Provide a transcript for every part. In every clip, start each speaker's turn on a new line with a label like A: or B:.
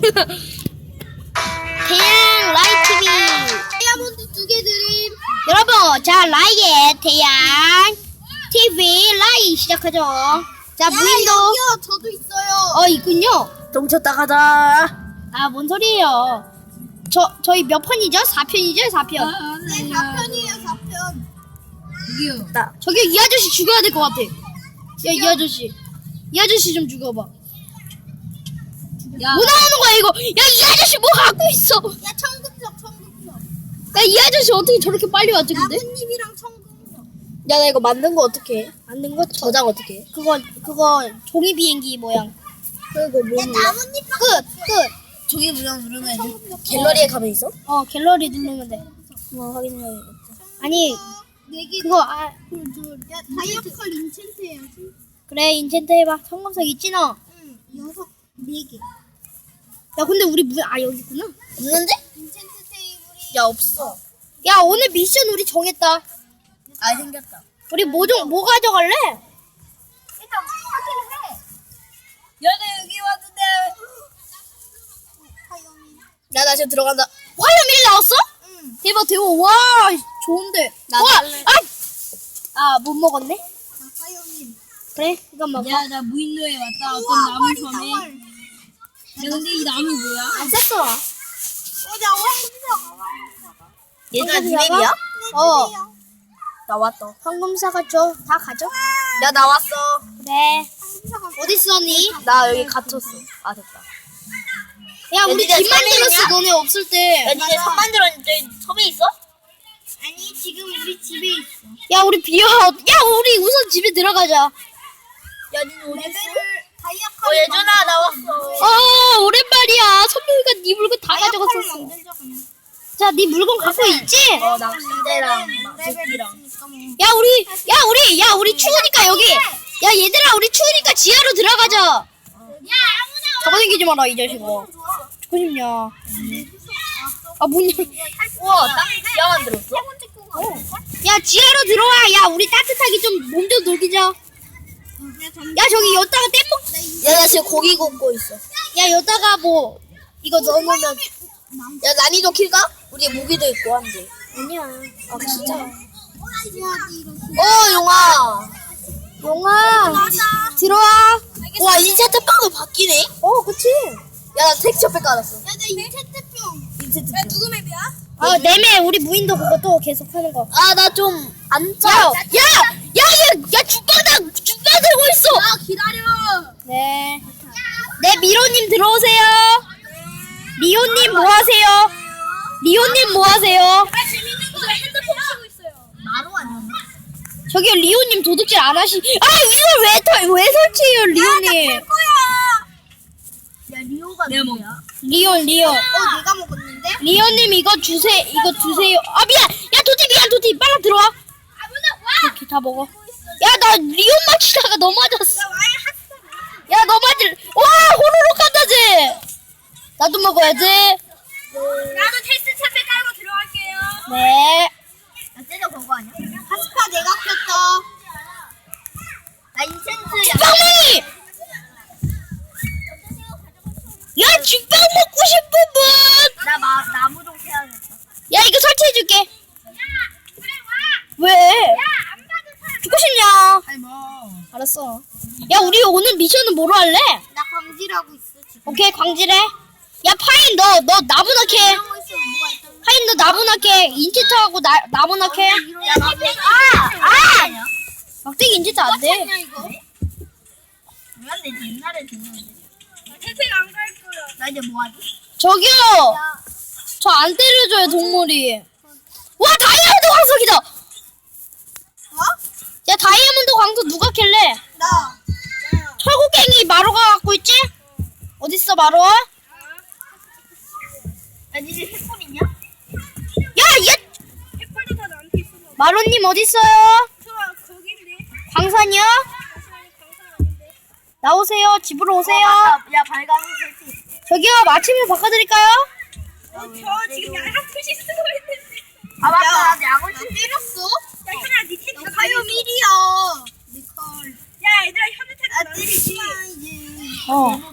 A: 태양 라이 TV 다이아몬드 2개 드림. 여러분, 자 라이의 태양 TV 라이 시작하죠. 자 무인도.
B: 여기요, 저도 있어요.
A: 있군요.
C: 똥쳤다 가자.
A: 아, 뭔 소리예요? 저희 몇 편이죠? 4편이죠? 4편.
B: 네, 4편이에요, 4편.
C: 나
A: 저기 이 아저씨 죽여야 될 것 같아. 야, 이 아저씨. 이 아저씨 좀 죽여봐.
B: 야,
A: 뭐 나오는 거야, 이거? 야, 이 아저씨 뭐 갖고 있어?
B: 야, 청금석.
A: 야, 이 아저씨 어떻게 저렇게 빨리 왔지, 근데?
B: 나뭇잎이랑 청금석.
C: 야, 나 이거 만든 거 어떻게 해?
A: 만든 거
C: 저장 어떻게 해?
A: 그거 종이 비행기 모양.
C: 그거
B: 야,
C: 뭐
B: 나뭇잎
A: 끝!
C: 저기 누르면 갤러리에 가면 있어?
A: 갤러리 누르면 돼.
C: 확인해야겠다.
A: 아니,
B: 4개.
A: 그거,
B: 야, 다이어컬 인챈트 해야지.
A: 그래, 인챈트 해봐. 성검석 있지, 너?
B: 응, 4개.
A: 야, 근데 우리 여기 있구나.
C: 없는데?
B: 인챈트 테이블이.
C: 야, 없어.
A: 야, 오늘 미션 우리 정했다.
C: 아, 생겼다.
A: 우리 뭐 가져갈래?
B: 일단 확인을 해.
C: 야, 나 여기 왔는데. 야, 나 지금 들어간다.
A: 화염일 나왔어?
B: 응.
A: 대박, 와, 좋은데.
C: 나
A: 와,
C: 갈래.
A: 못 먹었네?
B: 화염님.
A: 그래, 이건 먹어.
C: 야, 나 무인도에 왔다.
B: 우와, 헐이다, 헐.
C: 야, 근데 이 나무 뭐야?
A: 안 쌌어.
B: 나 황금사가.
C: 얘들아,
A: 니
C: 맵이야? 나 왔어.
A: 황금사가 다 가져.
C: 야, 나 왔어.
A: 그래. 어딨어, 니?
C: 나 여기 갇혔어. 아, 됐다.
A: 야, 우리
C: 니네
A: 집
C: 섬에
A: 만들었어,
C: 있냐?
A: 너네 없을 때.
C: 야, 니네 섬 만들었는데 섬에 있어?
B: 아니, 지금 우리 집에 있어.
A: 야, 우리 우리 우선 집에 들어가자.
C: 야, 니네 어디 있어?
B: 다이아컬.
C: 예준아, 나 왔어.
A: 오랜만이야. 선배가 네 물건 다 가져갔었어.
B: 만들자, 그냥.
A: 자, 네 물건 갖고 있지?
C: 낚싯대랑 도끼랑.
A: 야, 우리 추우니까 여기. 야, 얘들아, 우리 추우니까 지하로 들어가자.
B: 야, 아무나
A: 잡아당기지 마라, 이 자식아. 죽고 싶냐. 문 열.
C: 우와, 땅 지하 만들었어?
A: 야, 지하로 들어와. 야, 우리 따뜻하게 좀 몸 좀 녹이자. 야, 저기 여기다가 땜목.
C: 야, 나 지금 고기 굽고 있어.
A: 야, 여기다가 뭐 이거 넣어놓으면.
C: 야, 난이도 킬까? 우리 무기도 있고 한데.
A: 아니야.
C: 아, 진짜?
B: 어,
C: 용아.
A: 용아, 들어와.
C: 와, 인체트 빵도 바뀌네?
A: 그치.
C: 야, 나 텍스처팩 깔았어.
B: 야, 나 인체트병.
C: 인체트.
B: 누구 맵이야?
A: 내매 우리 무인도 그거 또 계속 하는 거.
C: 아, 나 좀 안 짜.
A: 야, 죽방 들고 있어.
B: 아, 기다려.
A: 네. 네, 미로님 들어오세요. 리오님 뭐 하세요? 리오님 뭐 하세요?
B: 재밌는 거 핸드폰 치고 있어요. 마루 아니야?
A: 저기 리오님 도둑질 안 이걸 왜 설치해요, 리오님?
B: 야, 리오가 누구야?
A: 리오.
B: 내가 먹었는데?
A: 리오님 이거 주세요. 아, 미안. 야, 도티 빨리 들어와. 이렇게 다 먹어. 야, 나 리온 맞히다가 너 맞았어. 야, 너 와, 호로록 간다, 쟤. 나도 먹어야지.
B: 나도 테스트 차트 깔고 들어갈게요.
A: 네.
B: 나 쟤도 그거 아니야? 하스파 내가 켰어. 나 인챈트야.
A: 빵맹이! 야, 죽빵 먹고 싶은 분!
B: 나 나무 좀 캐야겠다.
A: 야, 이거 설치해줄게. 왜?
B: 안 받은 사람.
A: 죽고 싶냐?
B: 아니 뭐.
A: 알았어. 야, 우리 오늘 미션은 뭐로 할래?
B: 나 광질하고 있어 지금.
A: 오케이, 광질해. 야, 파인, 너 나무나 캐.
B: 이러고 있어 뭐가 있던.
A: 파인, 너 나무나 캐. 인체트하고 나무나 캐.
B: 야,
A: 막대기 인체트 안 돼.
B: 냐 이거? 왜 안 되지? 옛날에 됐는데. 태생 안 갈 거야. 나 이제 뭐 하지?
A: 저기요! 저 안 때려줘요, 동물이. 와, 다이아몬드 광석이다!
B: 어?
A: 야, 다이아몬드 광석 누가 캘래?
B: 나.
A: 철곡갱이 마루가 갖고 있지? 어딨어, 마루야?
B: 야, 니네 핸폰 있냐?
A: 야, 얘!
B: 핸폰도 다 나한테 있어.
A: 마루님 어딨어요?
B: 저 거긴데.
A: 광산이요?
B: 강사하는데.
A: 나오세요. 집으로 오세요.
B: 야, 발광 설치.
A: 저기요, 마침을 바꿔드릴까요?
B: 저 지금 양아프시 쓰고 있는데. 아, 맞다. 나 양아치 때렸어? 야, 현아, 니 텐트 가요 미리야. 니컬. 야, 얘들아, 현우 텐트 때리지.
A: 어.
B: 네모치.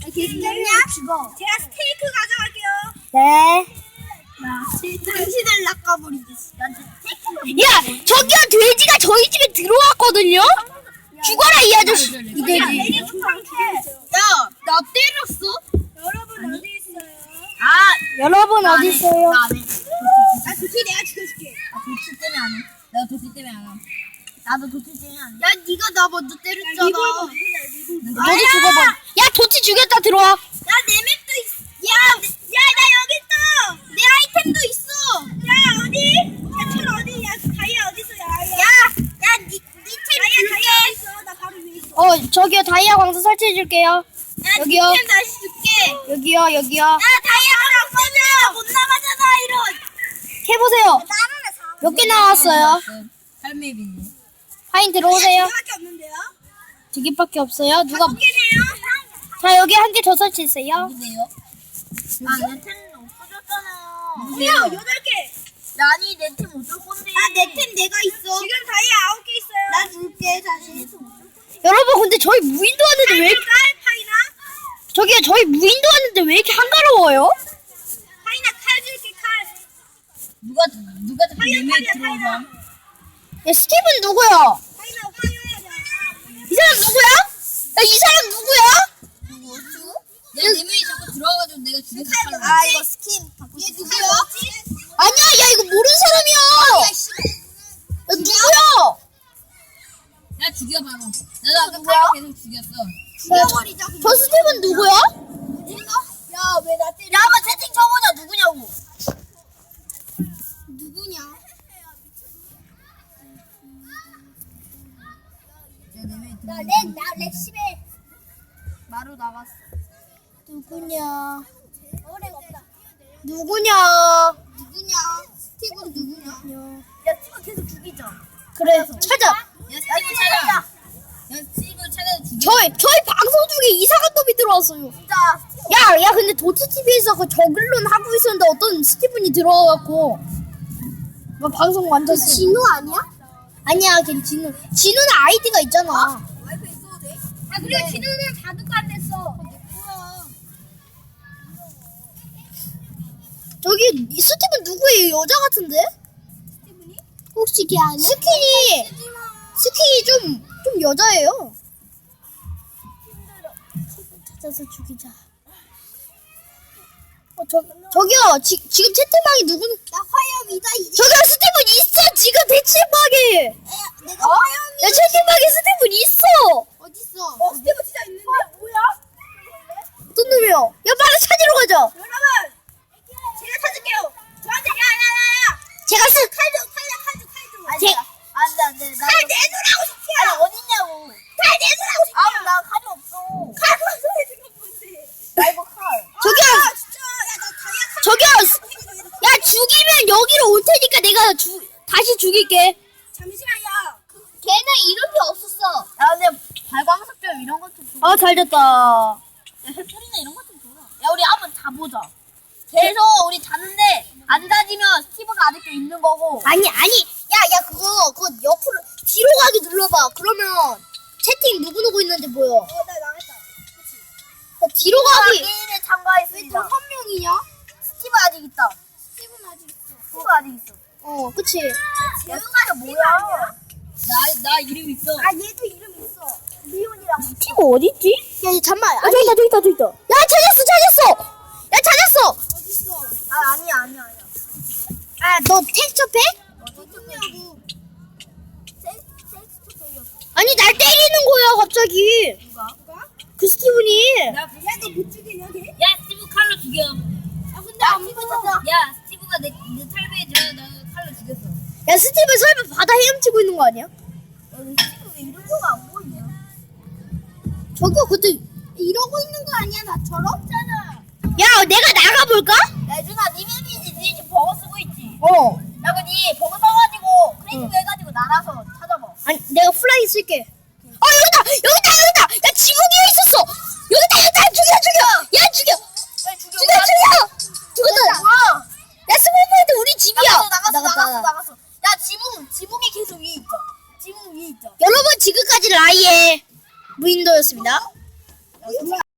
B: 괜찮냐? 제가 스테이크 가져갈게요.
A: 네.
B: 당신을 낚아버리지.
A: 야, 저기요, 돼지가 저희 집에 들어왔거든요? 죽어라, 이 아저씨. 이 돼지.
B: 야,
C: 나 때렸어?
B: 여러분 어디 있어요?
A: 여러분, 어디 있어요?
B: 나 도티 내가 죽여줄게.
C: 도치 때문에 안 해. 내가 도치 때문에 안 해. 나도 도치 때문에 안 해.
B: 야, 네가 나 먼저 때렸잖아.
A: 너도 죽어봐. 야, 도치 죽였다, 들어와.
B: 야, 내 맵도 있어. 야, 나 여기 있어. 내 아이템도 있어. 야, 어디? 야, 철 어디? 야, 다이아 어디 있어? 니템 다이아 어디 있어? 나 바로 위에 있어.
A: 저기요, 다이아 광선 설치해줄게요.
B: 야,
A: 여기요.
B: 니템 다시 줄게.
A: 여기요, 여기요.
B: 야, 다이아가 없어져. 못 나가잖아, 이런.
A: 해보세요. 몇 개 나왔어요?
C: 할매비네.
A: 하인 들어오세요.
B: 밖에 없는데요?
A: 2개밖에 없어요. 누가,
B: 웃기네요.
A: 자, 여기 한 개 더 설치했어요.
C: 누구세요? 내 템은 없어졌잖아.
B: 누구야? 8개.
C: 아니, 내 템 어쩔 건데.
B: 내 템 내가 있어. 지금 다이아 9개 있어요. 나 줄게, 다시.
A: 여러분, 근데 저희 무인도 왔는데 왜,
B: 파이나?
A: 저기요, 저희 무인도 왔는데 왜 이렇게 한가로워요?
B: 파이나 칼 줄게, 칼.
C: 누가 자꾸
B: 파이어,
C: 내
B: 파이어,
C: 들어오면.
B: 파이어.
A: 야, 스티븐 누구야?
B: 파이나 파이어야.
A: 이 사람 누구야? 야, 이 사람 누구야?
C: 내가 내 명이 자꾸 들어와가지고 내가 죽여서 칼로.
B: 이거 스킨. 얘 누구야?
A: 아니야, 야, 이거 모르는 사람이야. 야, 누구야?
C: 야, 죽여, 바로. 나도 아까 칼로 계속 죽였어.
B: 죽여버리자.
A: 저 스티븐 누구야?
B: 야, 왜 나 때려? 야, 한번 채팅 쳐보자. 누구냐고. 누구냐? 나 렉십에 마루 나갔어.
A: 누구냐?
B: 어레가 없다.
A: 누구냐?
B: 누구냐? 스티븐 누구냐? 야, 스티븐 계속 죽이자.
A: 그래, 찾아.
C: 야, 스티브 찾아. 야, 스티브 찾아서 죽여.
A: 저희 방송 중에 이상한 놈이 들어왔어요.
B: 진짜.
A: 야, 근데 도티TV에서 그 저글론 하고 있었는데 어떤 스티븐이 들어와갖고 막 방송 완전
B: 진우 아니야?
A: 아니야, 걔 진우는 아이디가 있잖아.
B: 와이프 있어도 돼? 아, 그리고 진우는 자두가 안 됐어.
A: 저기 이 스티븐 누구예요? 여자 같은데?
B: 스티븐이?
A: 혹시 걔 아니야? 스킨이 좀 여자예요. 찾아서 죽이자. 저기요, 지금 채팅방에 누군?
B: 나 화염이다 이제.
A: 저기요, 스티븐 있어! 지금 대체방에!
B: 내가 화염이.
A: 야, 채팅방에 스티븐 있어!
B: 어딨어? 스티븐 진짜 있는데? 뭐야?
A: 어떤 놈이야? 야, 빨리 찾으러 가자!
B: 여러분, 제가 찾을게요. 저한테 야야야야.
A: 제가
B: 칼 줘. 안돼. 칼 내놓으라고 시켜. 아니 어딨냐고. 칼 내놓으라고 시켜. 나 칼이 없어. 칼 가져야 되는 건데. 나 이거 칼.
A: 저기요!
B: 진짜. 야나 다이아 칼.
A: 저기요! 야, 죽이면 여기로 올 테니까 내가 다시 죽일게.
B: 잠시만요.
C: 걔는 이름이 없었어. 야, 근데 발광석점 이런 것도 좀.
A: 아, 잘 됐다.
C: 야, 해풀이나 이런 것도 줘라. 야, 우리 한번 자보자. 계속 우리 자는데 안 자지면 스티브가 아직도 있는 거고.
A: 아니. 야, 그거 옆으로, 뒤로 가기 눌러봐. 그러면 채팅 누구 있는지 보여.
B: 나 나갔다.
A: 야, 뒤로 가기.
C: 게임에 참가했습니다.
B: 6명이냐?
C: 스티브 아직 있다.
B: 스티븐 아직 있어.
C: 스티브 아직 있어.
A: 그치.
C: 재우가 뭐야? 나 이름 있어.
B: 얘도 이름 있어. 리온이랑.
A: 스티브 어딨지? 야, 잠깐만. 저기 있다. 야, 찾았어! 야, 찾았어!
B: 어딨어?
C: 아니야.
A: 너 텍스처 팩?
B: 어딨냐고. 섹스토 돌렸어.
A: 아니, 날 때리는 거야, 갑자기.
B: 누가?
A: 그 스티븐이.
B: 야, 너 못 죽이냐, 걔?
C: 야, 스티브 칼로 죽여.
B: 야, 근데 안 죽었어.
C: 야, 스티브가 내 탈배에 들어 나 칼로 죽였어.
A: 야, 스티븐 설마 바다 헤엄치고 있는 거 아니야?
B: 스티븐 왜 이런 거가 안 보이냐?
A: 저기요, 그때.
B: 이러고 있는 거 아니야? 나처럼? 잖아.
A: 야, 내가 나가볼까?
C: 야, 준아, 니 맵이지. 니 지금 버거 쓰고 있지.
A: 야,
C: 니 버거 써가지고 크리에이티브 해가지고 날아서 찾아봐.
A: 아니, 내가 플라이 쓸게. 여기다! 야, 지붕 위에 있었어! 여기다! 죽여! 야, 죽여! 죽었다! 야, 스몰포인트 우리 집이야!
C: 나갔어. 야, 지붕이 계속 위에 있죠. 지붕 위에 있죠.
A: 여러분, 지금까지 라이의 무인도였습니다.